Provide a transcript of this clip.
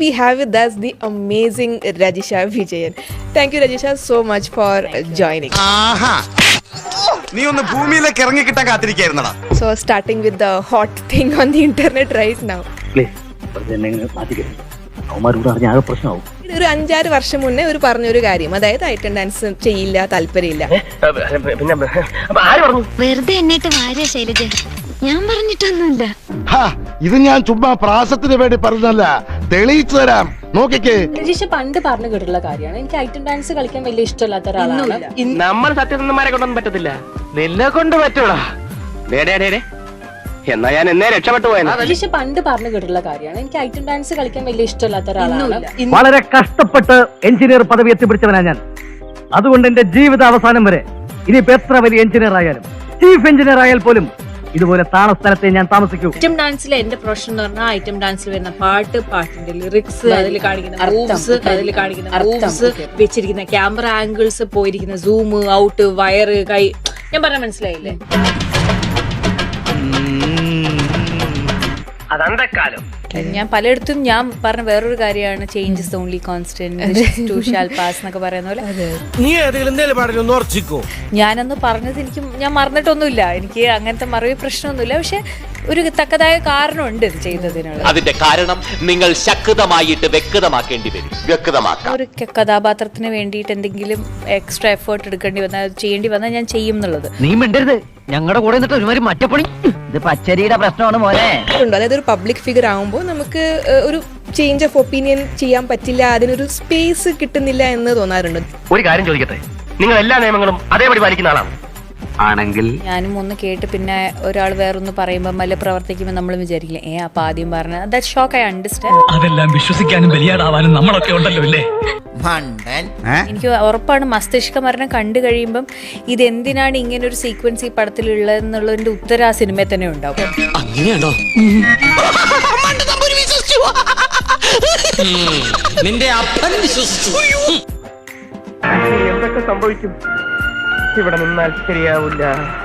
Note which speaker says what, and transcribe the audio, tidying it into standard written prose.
Speaker 1: we have with us the amazing Rajisha Vijayan. Thank you, Rajisha, so much for joining.
Speaker 2: നീ ഒന്ന് ഭൂമിയിലേക്ക് ഇറങ്ങി കിട്ടാൻ കാത്തിരിക്കായിരുന്നടാ.
Speaker 1: So starting with the hot thing on the internet right now. ഒരു 5-6 വർഷം മുന്നേ ഒരു പറഞ്ഞൊരു കാര്യം, അതായത് ഐറ്റം ഡാൻസ് ചെയ്യില്ല, താല്പര്യമില്ല.
Speaker 3: വെറുതെ എന്നിട്ട് വാര്യ ശൈലജ, ഞാൻ പറഞ്ഞിട്ടൊന്നുമില്ല.
Speaker 4: ഇത് ഞാൻ ചുമ്മാ പ്രാസത്തിന് വേണ്ടി പറഞ്ഞല്ല, തെളിയിച്ചു തരാം. നോക്കിക്കേ,
Speaker 5: രജീഷ പണ്ട് പറഞ്ഞു കേട്ടിട്ടുള്ള കാര്യമാണ്, എനിക്ക് ഐറ്റം ഡാൻസ് കളിക്കാൻ വലിയ ഇഷ്ടമില്ലാത്ത ഒരാളാണ്.
Speaker 6: നമ്മൾ സത്യസന്ധന്മാരെ കൊണ്ടൊന്നും പറ്റത്തില്ല, നിന്നെ കൊണ്ട് പറ്റൂടാ. എന്നാ ഞാൻ എന്നേ രക്ഷപ്പെട്ടു പോയത്.
Speaker 5: രജീഷ പണ്ട് പറഞ്ഞു കേട്ടിട്ടുള്ള കാര്യമാണ്, എനിക്ക് ഐറ്റം ഡാൻസ് കളിക്കാൻ വലിയ ഇഷ്ടമില്ലാത്ത ഒരാളാണ്.
Speaker 7: വളരെ കഷ്ടപ്പെട്ട് എഞ്ചിനീയർ പദവി എത്തിപ്പിടിച്ചവനാ ഞാൻ. അതുകൊണ്ട് എന്റെ ജീവിത അവസാനം വരെ ഇനിയിപ്പോ എത്ര വലിയ എഞ്ചിനീയർ ആയാലും, ചീഫ് എഞ്ചിനീയർ ആയാൽ പോലും ഇതുപോലെ താണ സ്ഥലത്തെ ഞാൻ താമസിക്കൂ.
Speaker 5: ഐറ്റം ഡാൻസിലെ എന്റെ പ്രൊഫഷൻ എന്ന് പറഞ്ഞാൽ ഐറ്റം ഡാൻസിൽ വരുന്ന പാട്ട്, പാട്ടിന്റെ ലിറിക്സ്, അതിൽ കാണിക്കുന്ന മൂവ്സ്, വെച്ചിരിക്കുന്ന ക്യാമറ ആംഗിൾസ്, പോയിരിക്കുന്ന സൂം ഔട്ട്, വയറ്, കൈ, ഞാൻ പറഞ്ഞ മനസ്സിലായില്ലേ?
Speaker 6: അതന്തക്കാലം.
Speaker 5: ഞാൻ പലയിടത്തും ഞാൻ പറഞ്ഞ വേറൊരു കാര്യമാണ്, change is only constant, too shall pass എന്നൊക്കെ പറയുന്ന പോലെ. ഞാനൊന്ന് പറഞ്ഞത് ഞാൻ മറന്നിട്ടൊന്നുമില്ല, എനിക്ക് അങ്ങനത്തെ മറവി പ്രശ്നമൊന്നുമില്ല. പക്ഷെ ഒരു തക്കതായ കാരണമുണ്ട് ഇത് ചെയ്തതിനുള്ള.
Speaker 8: അതിന്റെ കാരണം നിങ്ങൾ ശക്തമായിട്ട് വ്യക്തമാക്കേണ്ടി വരും.
Speaker 5: ഒരു കഥാപാത്രത്തിന് വേണ്ടിയിട്ട് എന്തെങ്കിലും എക്സ്ട്രാ എഫേർട്ട് എടുക്കേണ്ടി വന്നാൽ, ചെയ്യേണ്ടി വന്നാൽ ഞാൻ ചെയ്യും എന്നുള്ളത്.
Speaker 7: നീ മിണ്ടരുത്, ഞങ്ങളുടെ കൂടെ നിന്നിട്ട് ഒരുമാതിരി മറ്റപ്പണി. ഇത് പച്ചരിയുടെ പ്രശ്നമാണ് മോനെ.
Speaker 1: അതായത് ഒരു പബ്ലിക് ഫിഗർ ആകുമ്പോൾ നമുക്ക് ഒരു ചേഞ്ച് ഓഫ് ഒപ്പീനിയൻ ചെയ്യാൻ പറ്റില്ല, അതിനൊരു സ്പേസ് കിട്ടുന്നില്ല എന്ന് തോന്നാറുണ്ട്.
Speaker 6: ഒരു കാര്യം ചോദിക്കട്ടെ, നിങ്ങൾ എല്ലാ നിയമങ്ങളും അതേപടി പാലിക്കുന്ന ആളാണ് ആണെങ്കിൽ?
Speaker 5: ഞാനും ഒന്ന് കേട്ട് പിന്നെ ഒരാൾ വേറൊന്ന് പറയുമ്പോൾ അല്ലെ പ്രവർത്തിക്കുമ്പോൾ നമ്മൾ വിചാരിക്കില്ലേ, അപ്പൊ ആദ്യം പറഞ്ഞ ദാറ്റ് ഷോക്ക് ഐ അണ്ടർസ്റ്റാൻഡ്.
Speaker 9: അതെല്ലാം വിശ്വസിക്കാനും ബലിയാടാവാനും നമ്മളൊക്കെ ഉണ്ടല്ലോ അല്ലേ?
Speaker 5: എനിക്ക് ഉറപ്പാണ് മസ്തിഷ്ക മരണം കണ്ടു കഴിയുമ്പം ഇതെന്തിനാണ് ഇങ്ങനെ ഒരു സീക്വൻസ് ഈ പടത്തിലുള്ളതെന്നുള്ളതിന്റെ ഉത്തരം ആ സിനിമയിൽ തന്നെ ഉണ്ടാവും.
Speaker 8: നിന്റെ അപ്പൻ വിശ്വസിച്ചു.
Speaker 6: എന്തൊക്കെ സംഭവിക്കും? ഇവിടെ നിന്നാൽ ശരിയാവില്ല.